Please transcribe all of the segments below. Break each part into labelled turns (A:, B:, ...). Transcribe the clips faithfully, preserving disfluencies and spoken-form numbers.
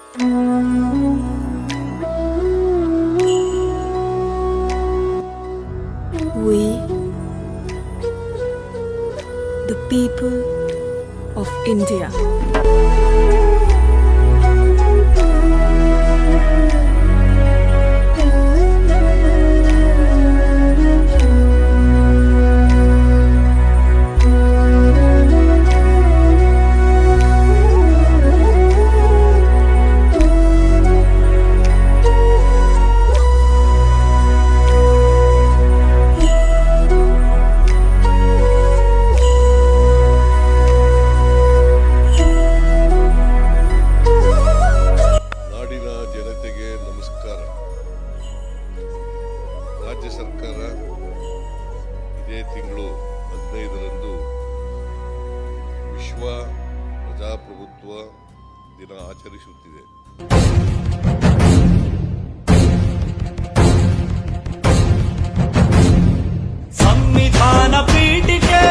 A: We, the people of India.
B: ರಾಜ್ಯ ಸರ್ಕಾರ ಇದೇ ತಿಂಗಳು ಹದಿನೈದರಂದು ವಿಶ್ವ ಪ್ರಜಾಪ್ರಭುತ್ವ ದಿನ ಆಚರಿಸುತ್ತಿದೆ.
C: ಸಂವಿಧಾನ ಪೀಠಿಕೆ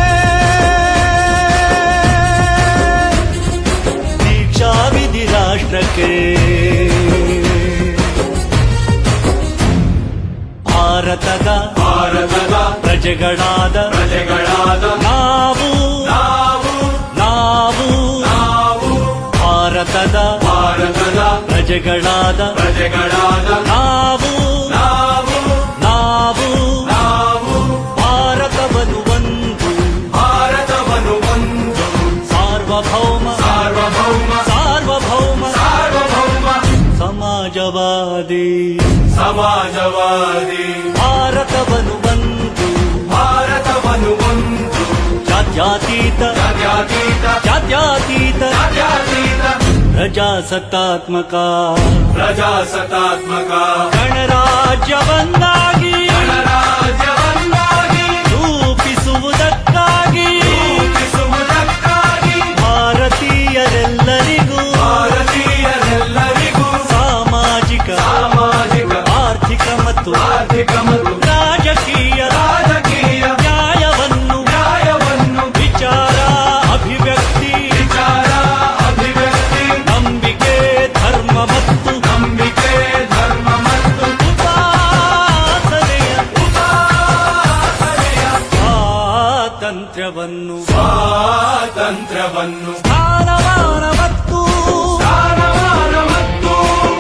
C: ದೀಕ್ಷಾ ವಿಧಿ ರಾಷ್ಟ್ರಕ್ಕೆ ಭಾರತದ ಭಾರತದ ಪ್ರಜೆಗಳಾದ ಪ್ರಜೆಗಳಾದ ನಾವು ನಾವು ನಾವು ನಾವು ಭಾರತದ ಭಾರತದ ಪ್ರಜೆಗಳಾದ ಪ್ರಜೆಗಳಾದ ನಾವು ನಾವು ನಾವು ನಾವು ಭಾರತವನ್ನು ಒಂದು ಭಾರತವನ್ನು ಒಂದು ಸಾರ್ವಭೌಮ ಸಾರ್ವಭೌಮ ಸಾರ್ವಭೌಮ ಸಾರ್ವಭೌಮ ಸಮಾಜವಾದಿ ಸಮಾಜವಾದಿ ಭಾರತವನ್ನು ಒಂದು ಭಾರತವನ್ನು ಒಂದು ಜಾತ್ಯತೀತ ಜಾತ್ಯತೀತ ಜಾತ್ಯತೀತ ಜಾತ್ಯತೀತ ಪ್ರಜಾಸತ್ತಾತ್ಮಕ ಪ್ರಜಾಸತ್ತಾತ್ಮಕ ಗಣರಾಜ್ಯವನ್ನಾಗಿ ಗಣರಾಜ್ಯವನ್ನಾಗಿ ರೂಪಿಸುವುದಕ್ಕಾಗಿ ರೂಪಿಸುವುದಕ್ಕಾಗಿ ಭಾರತೀಯರೆಲ್ಲರಿಗೂ ಭಾರತೀಯರೆಲ್ಲರಿಗೂ ಸಾಮಾಜಿಕ ಸಾಮಾಜಿಕ ಆರ್ಥಿಕ ಮತ್ತು ಆರ್ಥಿಕ ಮತ್ತು ರಾಜಕೀಯ ರಾಜಕೀಯ ನ್ಯಾಯವನ್ನು ನ್ಯಾಯವನ್ನು ವಿಚಾರ ಅಭಿವ್ಯಕ್ತಿ ವಿಚಾರ ಅಭಿವ್ಯಕ್ತಿ ನಂಬಿಕೆ ಧರ್ಮ ಮತ್ತು ನಂಬಿಕೆ ಧರ್ಮ ಮತ್ತು ಉಪಾಸನೆಯ ಉಪಾಸನೆಯ ಸ್ವಾತಂತ್ರ್ಯವನ್ನು ಸ್ವಾತಂತ್ರ್ಯವನ್ನು ಸ್ಥಾನಮಾನ ಮತ್ತು ಸ್ಥಾನಮಾನ ಮತ್ತು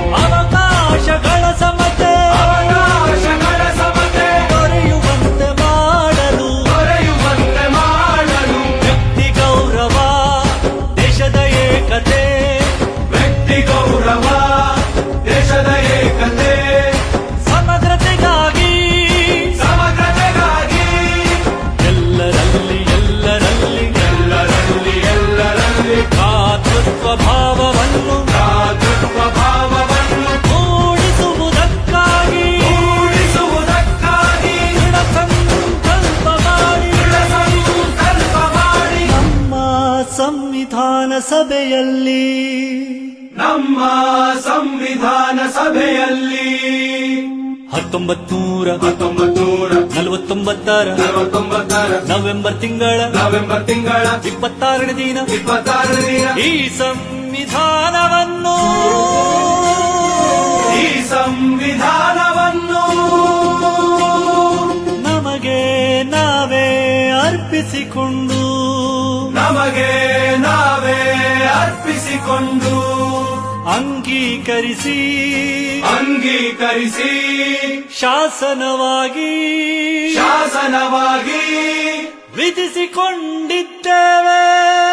C: ಅವಕಾಶಗಳ ಸಮತೆ ಅವಕಾಶಗಳ ಸಮತೆ ದೊರೆಯುವಂತೆ ಮಾಡಲು ದೊರೆಯುವಂತೆ ಮಾಡಲು ವ್ಯಕ್ತಿ ಗೌರವ ದೇಶದ ಏಕತೆ ವ್ಯಕ್ತಿ ಗೌರವ ದೇಶದ ಏಕತೆ ಸಮಗ್ರತೆಗಾಗಿ ಸಮಗ್ರತೆಗಾಗಿ ಎಲ್ಲರಲ್ಲಿ ಎಲ್ಲರಲ್ಲಿ ಎಲ್ಲರಲ್ಲಿ ಎಲ್ಲರಲ್ಲಿ ಭ್ರಾತೃತ್ವ ಭಾವವನ್ನು ಭ್ರಾತೃತ್ವ ಭಾವವನ್ನು ಮೂಡಿಸುವುದಕ್ಕಾಗಿ ಮೂಡಿಸುವುದಕ್ಕಾಗಿ ದೃಢ ಸಂಕಲ್ಪ ಮಾಡಿ ದೃಢ ಸಂಕಲ್ಪ ಮಾಡಿ ನಮ್ಮ ಸಂವಿಧಾನ ಸಭೆಯಲ್ಲಿ ನಮ್ಮ ಸಂವಿಧಾನ ಸಭೆಯಲ್ಲಿ ಹತ್ತೊಂಬತ್ತು ನೂರ ಹತ್ತೊಂಬತ್ತು ನೂರ ನಲವತ್ತೊಂಬತ್ತರ ನಲವತ್ತೊಂಬತ್ತರ ನವೆಂಬರ್ ತಿಂಗಳ ನವೆಂಬರ್ ತಿಂಗಳ ಇಪ್ಪತ್ತಾರನೇ ದಿನ ಇಪ್ಪತ್ತಾರನೇ ದಿನ ಈ ಸಂವಿಧಾನವನ್ನು ಈ ಸಂವಿಧಾನವನ್ನು ನಮಗೆ ನಾವೇ ಅರ್ಪಿಸಿಕೊಂಡು ನಮಗೆ ನಾವೇ ಅರ್ಪಿಸಿಕೊಂಡು ಅಂಗೀಕರಿಸಿ ಅಂಗೀಕರಿಸಿ ಶಾಸನವಾಗಿ ಶಾಸನವಾಗಿ ವಿಧಿಸಿಕೊಂಡಿದ್ದೇವೆ.